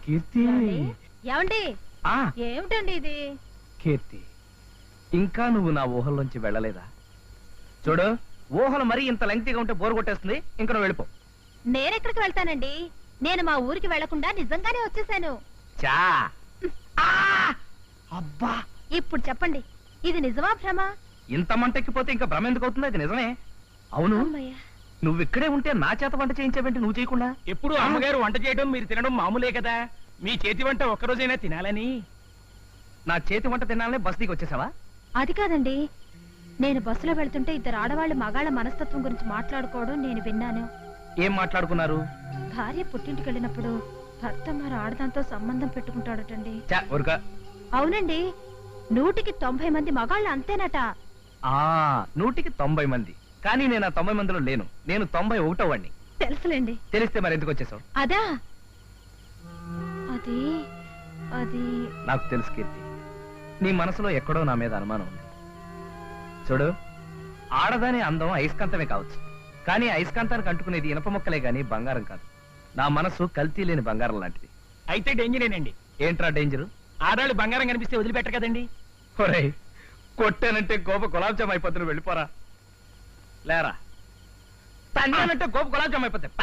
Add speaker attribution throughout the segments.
Speaker 1: కీర్తి
Speaker 2: ఏమండి ఏమిటండి ఇది?
Speaker 1: కీర్తి, ఇంకా నువ్వు నా ఊహల్లోంచి వెళ్ళలేదా? చూడు, ఊహలు మరీ ఇంత లెంగ్తీగా ఉంటే బోరు కొట్టేస్తుంది. ఇంకా నువ్వు వెళ్ళిపో.
Speaker 2: నేనెక్కడికి వెళ్తానండి? నేను మా ఊరికి వెళ్లకుండా నిజంగానే వచ్చేసాను.
Speaker 1: చా అబ్బా,
Speaker 2: ఇప్పుడు చెప్పండి, ఇది నిజమా భ్రమ?
Speaker 1: ఇంత మంటెక్కిపోతే ఇంకా భ్రమ ఎందుకు అవుతుంది? అది నిజమే. అవును, నువ్వు ఇక్కడే ఉంటే నా చేత వంట చేయించావేంటి నువ్వు చేయకుండా?
Speaker 3: ఎప్పుడు అమ్మగారు వంట చేయడం మీరు తినడం మామూలే కదా. మీ చేతి వంట ఒక్కరోజైనా తినాలని.
Speaker 1: నా చేతి వంట తినాలనే బస్ దిగి వచ్చేసావా?
Speaker 2: అది కాదండి, నేను బస్సులో వెళ్తుంటే ఇద్దరు ఆడవాళ్ళు మగాళ్ళ మనస్తత్వం గురించి మాట్లాడుకోవడం నేను విన్నాను.
Speaker 1: ఏం మాట్లాడుకున్నారు?
Speaker 2: భార్య పుట్టింటికి వెళ్ళినప్పుడు భర్త మరి ఆడదాంతో సంబంధం పెట్టుకుంటాడటండి. అవునండి, 190 మంది మగాళ్ళు అంతేనట.
Speaker 1: 190 మంది, కానీ నేను ఆ 90 మందిలో లేను. నేను 91వ వాడిని.
Speaker 2: తెలుసులేండి.
Speaker 1: తెలిస్తే మరి ఎందుకు వచ్చేసావు?
Speaker 2: అదా, అది అది
Speaker 1: నాకు తెలుసు కీర్తి, నీ మనసులో ఎక్కడో నా మీద అనుమానం ఉంది. చూడు, ఆడదాని అందం అయస్కాంతమే కావచ్చు, కానీ అయస్కాంతానికి అంటుకునేది ఇనప మొక్కలే గాని బంగారం కాదు. నా మనసు కల్తీ లేని బంగారం లాంటిది.
Speaker 3: అయితే డేంజరేనండి.
Speaker 1: ఏంట్రా డేంజరు?
Speaker 3: ఆడాళ్ళు బంగారం కనిపిస్తే వదిలిపెట్టరు కదండి.
Speaker 1: ఒరేయ్, కొట్టానంటే గోప గులాబ్ జామ్ అయిపోతుంది, వెళ్ళిపోరా. లేరా, తన్నానంటే గోప గులాబ్ జామ్ అయిపోతాయి.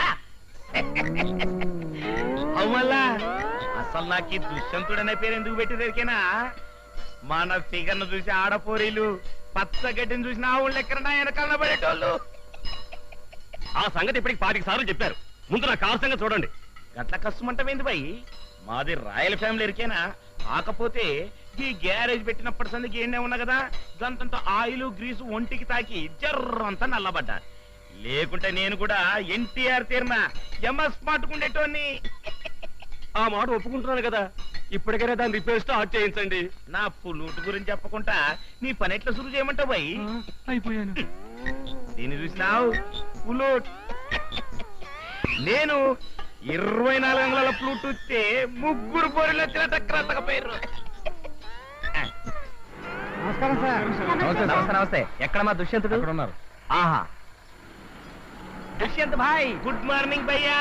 Speaker 4: అవుమల్లా, అసలు నాకు ఈ దుష్యంతుడనే పేరు ఎందుకు పెట్టిదరికేనా? మన ఫిగర్ను చూసి ఆడపోరీలు, పచ్చగడ్డిని చూసిన ఆవుళ్ళు ఎక్కడ వెనకాల పడేటోళ్ళు.
Speaker 3: ఆ సంగతి ఇప్పటికి 5 సార్లు చెప్పారు. ముందు నా కారు సంగతి చూడండి.
Speaker 4: గట్ల కష్టమంటమేంది బాయ్? మాది రాయల్ ఫ్యామిలీ ఎరికేనా? కాకపోతే ఈ గ్యారేజ్ పెట్టినప్పటి సందికి ఏండే ఉన్నా కదా, గంతంత ఆయిల్ గ్రీసు ఒంటికి తాకి జర్రంతా నల్లబడ్డా. లేకుంటే నేను కూడా ఎన్టీఆర్ తీరిన ఎంఎస్ మాటుకుండేటోని.
Speaker 3: ఆ మాట ఒప్పుకుంటున్నాను కదా, ఇప్పటికైనా దాని రిపేర్ స్టార్ట్ చేయించండి.
Speaker 4: నా పుల్లూటు గురించి చెప్పకుండా నీ పని ఎట్లా సురు చేయమంటావు బాయ్?
Speaker 3: అయిపోయాను.
Speaker 4: దీన్ని చూసినావు పుల్లూట్. నేను 24 అంగుళాల ఫ్లూట్ వస్తే 3 పోరీలు వచ్చిన తక్కువ.
Speaker 1: నమస్కారం సార్. నమస్తే నమస్తే. ఎక్కడ మా దుష్యంతుడు?
Speaker 3: ఉన్నారు.
Speaker 1: ఆహా, దుష్యంత్ భాయ్.
Speaker 4: గుడ్ మార్నింగ్ భయ్యా.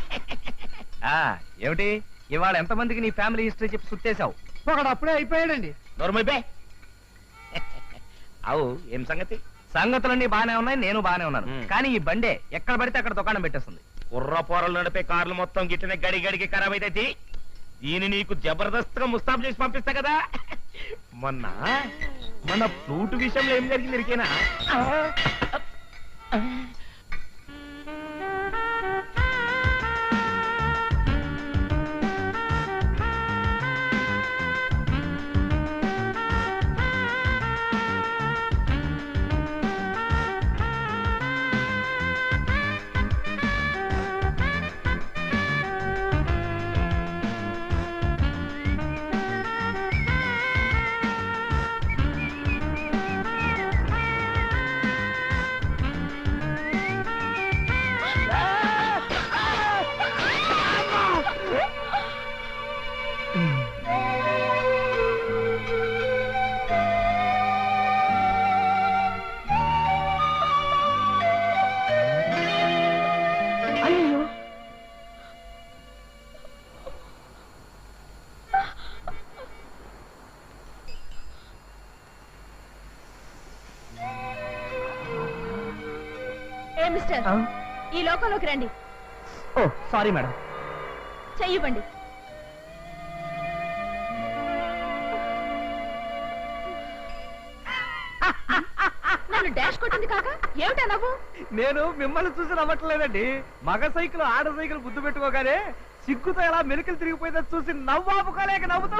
Speaker 1: ఏమిటి ఇవాళ ఎంతమందికి నీ ఫ్యామిలీ హిస్టరీ చెప్పి సుట్టేశావు?
Speaker 3: ఒకడు అప్పుడే అయిపోయాడండి.
Speaker 4: నోర్మైపే. అవు ఏం సంగతి?
Speaker 1: సంగతులన్నీ బానే ఉన్నాయి, నేను బానే ఉన్నాను. కానీ ఈ బండే ఎక్కడ పడితే అక్కడ దుకాణం పెట్టేస్తుంది.
Speaker 4: కుర్ర పోరలు నడిపే కార్లు మొత్తం గిట్టనే గడి గడికి ఖరాబ్ అయితే దీన్ని నీకు జబర్దస్త్గా ముస్తాబ్ చేసి పంపిస్తా కదా. మొన్న మన ఫ్లూట్ విషయంలో ఏం జరిగింది ఇరికేనా?
Speaker 2: మిస్టర్, ఈ లోకంలోకి రండి.
Speaker 1: ఓ సారీ మేడం.
Speaker 2: చెయ్యివ్వండి. నన్ను డాష్ కొట్టింది కాక ఏమిటా నవ్వు?
Speaker 1: నేను మిమ్మల్ని చూసి నవ్వట్లేదండి. మగ సైకిల్ ఆడ సైకిల్ గుద్దు పెట్టుకోగానే సిగ్గుతో ఎలా మెలికలు తిరిగిపోయిందో చూసి నవ్వాపుకోలేక నవ్వుతూ.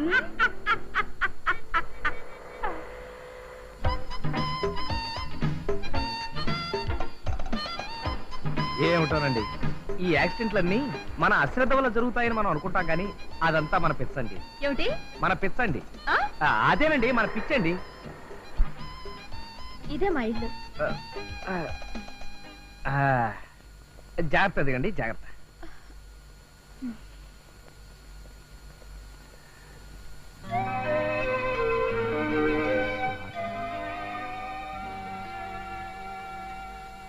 Speaker 1: ఏమిటోనండి, ఈ యాక్సిడెంట్లన్నీ మన అశ్రద్ధ వల్ల జరుగుతాయని మనం అనుకుంటాం, కానీ అదంతా మన పిచ్చండి.
Speaker 2: ఏమిటి
Speaker 1: మన పిచ్చండి? అదేనండి మన పిచ్చండి.
Speaker 2: ఇదే మా ఇల్లు.
Speaker 1: జాగ్రత్త దిగండి, జాగ్రత్త.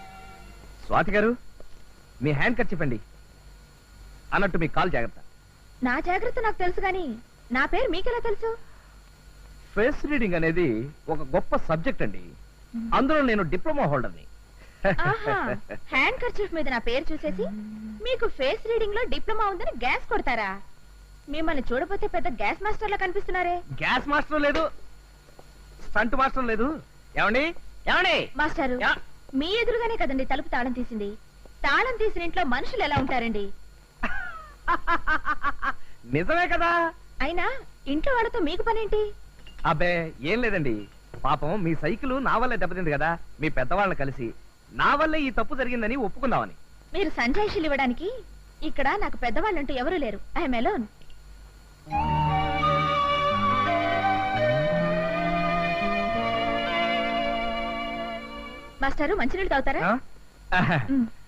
Speaker 1: స్వాతి గారు, మీ హ్యాండ్ కట్ చెప్పండి. అన్నట్టు మీ కాల్ జాగ్రత్త.
Speaker 2: నా జాగ్రత్త నాకు తెలుసు గాని నా పేరు మీకెలా తెలుసు?
Speaker 1: ఫేస్ రీడింగ్ అనేది ఒక గొప్ప సబ్జెక్ట్ అండి. అందులో నేను డిప్లొమా హోల్డర్ని.
Speaker 2: ఆహా, హ్యాండ్ కర్చీఫ్ మీద నా పేరు చూసేసి మీకు ఫేస్ రీడింగ్ లో డిప్లొమా ఉందని గ్యాస్ కొడతారా? మిమ్మల్ని చూడపోతే పెద్ద గ్యాస్ మాస్టర్ లా కనిపిస్తున్నారే.
Speaker 1: గ్యాస్ మాస్టర్ లేదు, స్టంట్ మాస్టర్ లేదు. ఏమండి ఏమండి
Speaker 2: మాస్టారు,
Speaker 1: యా.
Speaker 2: మీ ఎదురుగానే కదండి తలుపు తాళం తీసింది. తాళం తీసిన ఇంట్లో మనుషులు ఎలా ఉంటారండి?
Speaker 1: నిజమే కదా.
Speaker 2: అయినా ఇంట్లో వాళ్ళతో మీకు పనేంటి?
Speaker 1: అబ్బే ఏం లేదండి, పాపం మీ సైకిల్ నా వల్లే దెబ్బతింది కదా, మీ పెద్దవాళ్ళని కలిసి నా వల్లే ఈ తప్పు జరిగిందని ఒప్పుకుందామని.
Speaker 2: మీరు సంజాయిషీలు ఇవ్వడానికి ఇక్కడ నాకు పెద్దవాళ్ళంటూ ఎవరూ లేరు. I'm alone. మాస్టారు, మంచినీళ్ళు తాగుతారా?
Speaker 1: ఆ?
Speaker 2: మ్.